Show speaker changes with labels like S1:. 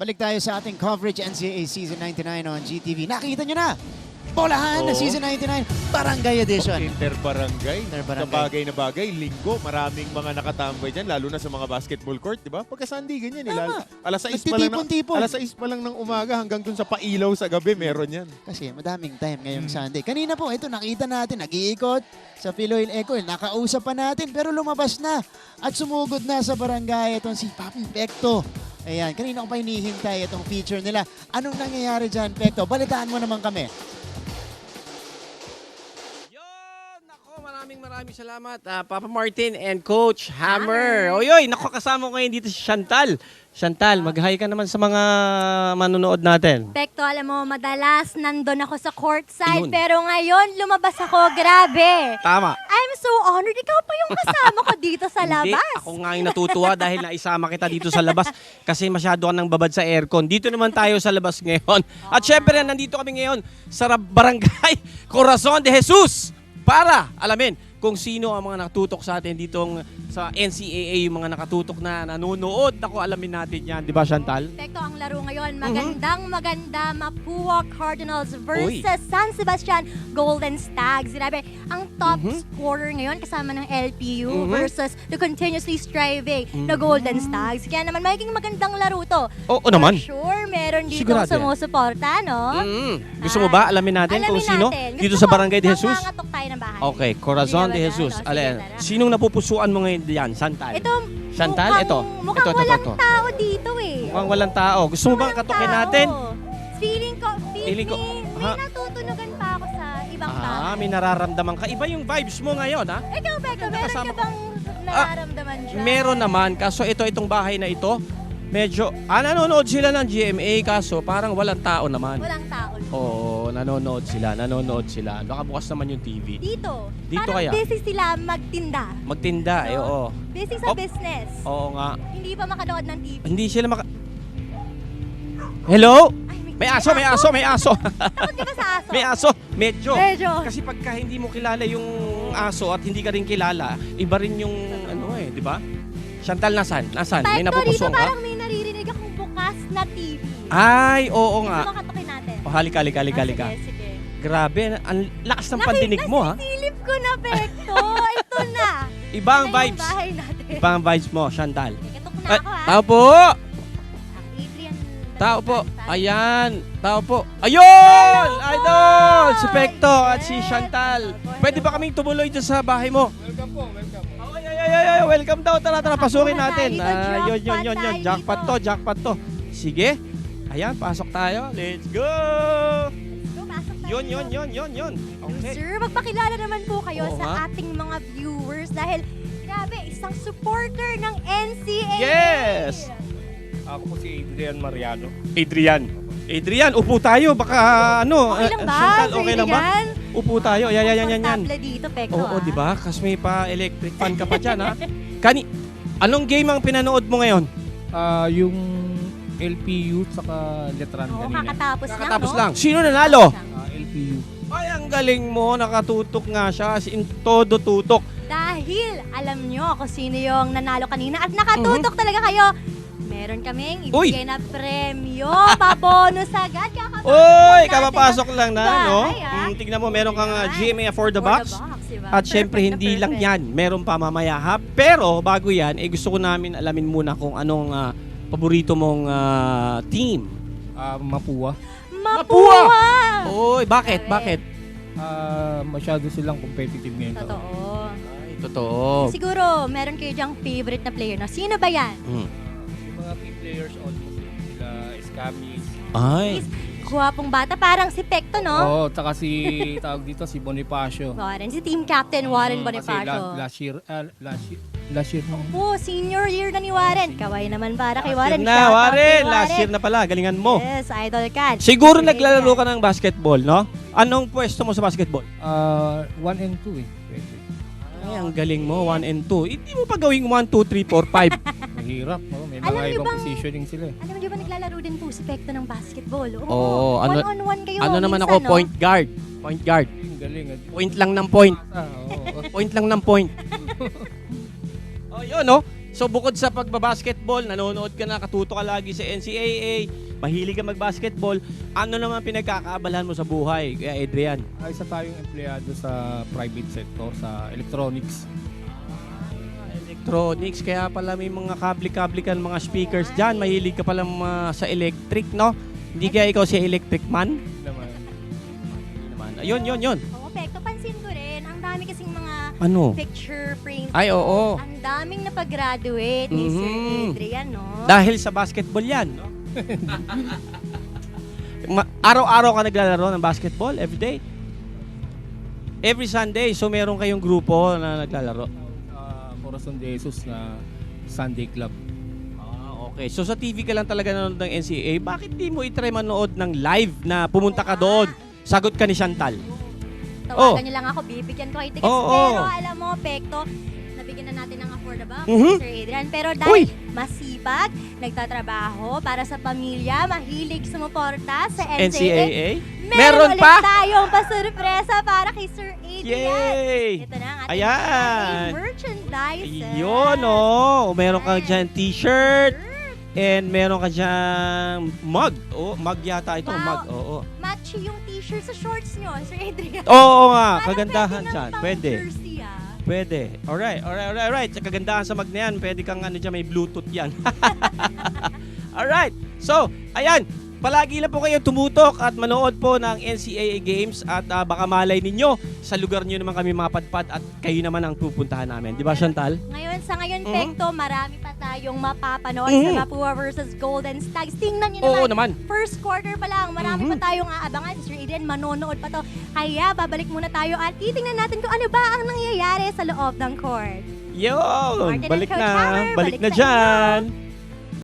S1: Balik tayo sa ating coverage NCAA Season 99 on GTV. Nakita nyo na! Bolahan na Season 99, Barangay Edition.
S2: Interbarangay.
S1: Interbarangay.
S2: Sa bagay na bagay, linggo, maraming mga nakatambay dyan, lalo na sa mga basketball court, di ba? Pagka-Sunday, ganyan.
S1: Tama.
S2: Alas 6 pa lang
S1: Nagtitipon-tipon.
S2: alas 6 pa lang ng umaga hanggang dun sa pailaw sa gabi, meron yan.
S1: Kasi madaming time ngayong Sunday. Kanina po, ito nakita natin, nag-iikot sa Philoil Echo. Nakausap pa natin, pero lumabas na. At sumugod na sa barangay itong si Papi Pekto. Ayan, kanina ko pa hinihintay itong feature nila. Anong nangyayari dyan, Pekto? Balitaan mo naman kami.
S3: Maraming salamat, Papa Martin and Coach Hammer. Oyoy, naku, kasama ko ngayon dito si Chantal. Chantal, mag-hi ka naman sa mga manonood natin.
S4: Pekto, alam mo, madalas nandun ako sa courtside,
S3: Yun.
S4: pero ngayon lumabas ako, grabe.
S3: Tama.
S4: I'm so honored. Ikaw pa yung kasama ko dito sa
S3: Hindi,
S4: labas.
S3: ako nga yung natutuwa dahil naisama kita dito sa labas kasi masyado ka nang babad sa aircon. Dito naman tayo sa labas ngayon. At syempre, nandito kami ngayon sa Barangay Corazon de Jesus para alamin kung sino ang mga nakatutok sa atin ditong sa NCAA, yung mga nakatutok na nanonood. Ako, alamin natin yan. Di ba, Chantal?
S4: Pekto, ang laro ngayon, maganda, Mapua Cardinals versus
S3: Uy.
S4: San Sebastian Golden Stags. Grabe, ang top scorer ngayon kasama ng LPU versus the continuously striving na Golden Stags. Kaya naman, magiging magandang laro to.
S3: Oo naman.
S4: For sure, meron dito
S3: Sigurado yan.
S4: sumusuporta, no?
S3: Gusto mo ba alamin natin kung sino dito sa Barangay de Jesus?
S4: Mangangatok tayo ng bahay.
S3: Okay, Corazon de
S4: Sige,
S3: Jesus.
S4: sige,
S3: Alin,
S4: tara.
S3: sinong napupusuan mo ngayon diyan? Chantal.
S4: Ito,
S3: Chantal, ito.
S4: Mukhang
S3: Ito.
S4: walang tao dito eh.
S3: Mukhang walang tao. Gusto mo bang
S4: Walang
S3: katukin
S4: tao.
S3: natin?
S4: Feeling ko,
S3: Feeling ko,
S4: may
S3: ha?
S4: natutunugan pa ako sa ibang bahay.
S3: May nararamdaman ka. Iba yung vibes mo ngayon, ha?
S4: Ikaw, Becca, meron
S3: Nakasama
S4: ka bang nararamdaman dyan?
S3: Meron naman. Kaso itong bahay na ito, medyo, nanonood sila ng GMA, kaso parang walang tao naman.
S4: Walang tao.
S3: Oo, nanonood sila. Nakabukas naman yung TV.
S4: Dito.
S3: Dito
S4: parang
S3: kaya?
S4: busy sila magtinda.
S3: Magtinda, oo.
S4: Busy sa
S3: Oh.
S4: business.
S3: Oo nga.
S4: Hindi pa makanood ng TV.
S3: Hindi sila Hello?
S4: Ay,
S3: May aso.
S4: Takot ka ba sa aso?
S3: May aso. Medyo.
S4: Medyo.
S3: Kasi pagka hindi mo kilala yung aso at hindi ka rin kilala, iba rin yung di ba? Chantal, nasan? May
S4: Pekto, dito
S3: napupusuan ka?
S4: parang may naririnig akong bukas na TV.
S3: Ay, oo nga.
S4: Gusto makatukin natin.
S3: Halika.
S4: Sige.
S3: Grabe, ang lakas ng pandinig mo, ha?
S4: Silip ko na, Pekto. Ito na.
S3: Ibang
S4: Ito na
S3: vibes.
S4: yung bahay natin.
S3: Ibang vibes mo, Chantal.
S4: Ikatok na
S3: Ay,
S4: ako, ha?
S3: tao po!
S4: Ang Adrian.
S3: Tao po. Ayan. Tao po. Ayun! Idol! Si Pekto at si Chantal. Pwede ba kaming tumuloy dyan sa bahay mo? Welcome po. Ay, welcome daw. Tara, pasukin natin. Yun. Jackpot to. Sige. Ayan, pasok tayo. Let's go!
S4: Go, pasok tayo.
S3: Yun. Okay.
S4: Sir, magpakilala naman po kayo
S3: Oo
S4: sa
S3: nga.
S4: ating mga viewers dahil grabe, isang supporter ng NCAA.
S3: Yes!
S5: Ako po si Adrian Mariano.
S3: Adrian, upo tayo. Baka
S4: Okay lang ba?
S3: Chantal, okay
S4: Sir
S3: lang ba?
S4: Adrian?
S3: Upo tayo. Yan.
S4: Komportable dito, Pekto.
S3: Oo, di ba? Kasi may pa-electric fan ka pa dyan, ha? Anong game ang pinanood mo ngayon?
S5: Yung LPU saka Letran
S4: Oo,
S5: kanina.
S4: kakatapos
S3: Lang. Sino nanalo?
S5: LPU.
S3: Ay, ang galing mo. Nakatutok nga siya. As in, todo tutok.
S4: Dahil alam nyo kung sino yung nanalo kanina at nakatutok talaga kayo. Meron kaming ibigay na premyo, pabonus agad.
S3: Oy, kapapasok lang na, no?
S4: Bahay, ah.
S3: Tignan mo, meron kang GMA for the box.
S4: Diba?
S3: At syempre, hindi lang yan. Meron pa mamaya, ha? Pero, bago yan, gusto ko namin alamin muna kung anong paborito mong team.
S5: Mapua.
S4: Mapua!
S3: Oy, bakit?
S5: Masyado silang competitive ngayon.
S4: Totoo.
S3: Ay, totoo.
S4: Siguro, meron kayo dyang favorite na player, no? Sino ba yan?
S5: Yung mga key players almost sila Escamis.
S3: Ay.
S4: Guwapong bata, parang si Pekto, no?
S5: Oo, tsaka si tawag dito si Bonifacio.
S4: Warren, si team captain Warren Bonifacio.
S5: Kasi last year nung
S4: Oh, senior year na ni Warren. Kaway naman para kay Warren.
S3: Na,
S4: Shout out
S3: Warren.
S4: kay
S3: Last year na pala. Galingan mo.
S4: Yes, idol ka.
S3: Siguro
S4: Sige,
S3: naglalaro
S4: yan.
S3: ka ng basketball, no? Anong pwesto mo sa basketball?
S5: 1 and 2 eh. Pwede.
S3: Ay, ang galing mo. 1 and 2. Hindi mo pa gawing 1, 2, 3, 4, 5.
S5: Mahirap. May
S4: Alam
S5: mga
S4: niyo
S5: ibang
S4: bang-
S5: positioning sila eh.
S4: Alam mo, di ba naglalaro din po si Pekto ng basketball?
S3: Oo,
S4: one-on-one kayo.
S3: Ano naman
S4: minsan,
S3: ako?
S4: no?
S3: Point guard. Point guard.
S5: Ang galing.
S3: Point lang ng point.
S5: Oo.
S3: Point lang ng point. Oh, yun, no? So bukod sa pagbabasketball, nanonood ka na, katuto ka lagi sa NCAA, mahilig ka magbasketball, ano naman pinagkakaabalahan mo sa buhay, Kuya Adrian?
S5: Isa tayong empleyado sa private sector, sa electronics.
S3: Electronics, kaya pala may mga kable-kable ka, mga speakers dyan, mahilig ka pala sa electric, no? Hindi kaya ikaw si electric man?
S5: Naman.
S3: Hindi naman. Yun.
S4: Oo, Pekto, pansin ko rin, ang dami kasing mga
S3: Ano?
S4: picture frames.
S3: Ay, oo.
S4: Ang daming napag-graduate ni Sir
S3: Mhm.
S4: Adrian, no?
S3: Dahil sa basketball yan, no? Araw-araw ka naglalaro ng basketball, everyday? Every Sunday, so meron kayong grupo na naglalaro?
S5: Corazon de Jesus na Sunday Club.
S3: Okay, so sa TV ka lang talaga nanonood ng NCAA, bakit di mo itry manood ng live na pumunta ka doon, sagot ka ni Chantal?
S4: Tawagan
S3: Oh.
S4: niyo lang ako, bibigyan ko kayo tickets.
S3: Oo.
S4: Pero alam mo, Pekto, nabigyan na natin ng affordable,
S3: Mhm.
S4: Sir Adrian. Pero
S3: Uy!
S4: dahil masipag, nagtatrabaho para sa pamilya, mahilig sumuporta sa NCAA,
S3: Meron
S4: ulit
S3: pa?
S4: tayong pasurpresa para kay Sir Adrian.
S3: Yay!
S4: Ito na ang ating
S3: Ayan!
S4: merchandise.
S3: Yun, oh. Meron kang dyan t-shirt, and meron ka dyan mug. Oh, mug yata ito,
S4: Wow.
S3: mug. Oo.
S4: Match yung t-shirt sa shorts nyo, Sir Adrian.
S3: Oo nga,
S4: Parang
S3: kagandahan
S4: pwede
S3: dyan.
S4: ng
S3: Pwede.
S4: pang-jersey, ah.
S3: Pwede. Alright. Sa kagandahan sa mag na yan, pwede kang ano dyan, may Bluetooth yan. Alright. So, ayan. Palagi lang po kayo tumutok at manood po ng NCAA games at baka malay ninyo sa lugar nyo naman kami mapadpad at kayo naman ang pupuntahan namin. Di ba, Chantal?
S4: Sa ngayon,
S3: Mhm.
S4: Pekto, marami pa tayong mapapanood
S3: Mhm.
S4: sa Mapua versus Golden Stags. Tingnan nyo
S3: Oo
S4: naman,
S3: naman.
S4: first quarter pa lang, marami
S3: Mhm.
S4: pa tayong aabangan. Si Sir Adrian, manonood pa to. Kaya, babalik muna tayo at titingnan natin kung ano ba ang nangyayari sa loob ng court.
S3: Yun!
S4: Martin and
S3: Balik
S4: Coach
S3: na.
S4: Hammer,
S3: Balik na
S4: sa inyo.
S3: dyan.